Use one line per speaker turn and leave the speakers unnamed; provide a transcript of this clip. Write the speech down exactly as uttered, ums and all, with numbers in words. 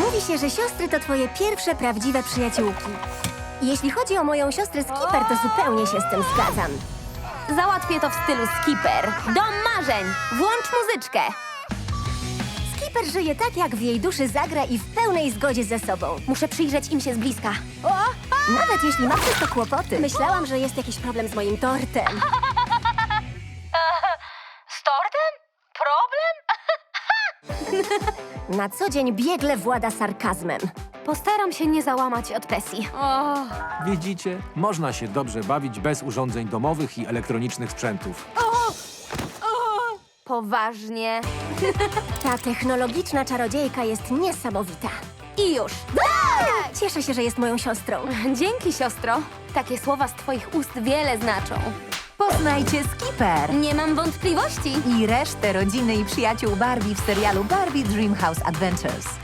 Mówi się, że siostry to twoje pierwsze prawdziwe przyjaciółki. Jeśli chodzi o moją siostrę Skipper, to zupełnie się z tym zgadzam.
Załatwię to w stylu Skipper. Dom marzeń! Włącz muzyczkę!
Skipper żyje tak, jak w jej duszy zagra i w pełnej zgodzie ze sobą.
Muszę przyjrzeć im się z bliska. O!
Nawet jeśli ma przez to kłopoty. Myślałam, że jest jakiś problem z moim tortem.
Z tortem? Problem?
Na co dzień biegle włada sarkazmem.
Postaram się nie załamać od presji. O!
Widzicie? Można się dobrze bawić bez urządzeń domowych i elektronicznych sprzętów.
Poważnie.
Ta technologiczna czarodziejka jest niesamowita.
I już.
Cieszę się, że jest moją siostrą.
Dzięki, siostro. Takie słowa z twoich ust wiele znaczą.
Poznajcie Skipper
Nie mam wątpliwości.
i resztę rodziny i przyjaciół Barbie w serialu Barbie Dreamhouse Adventures.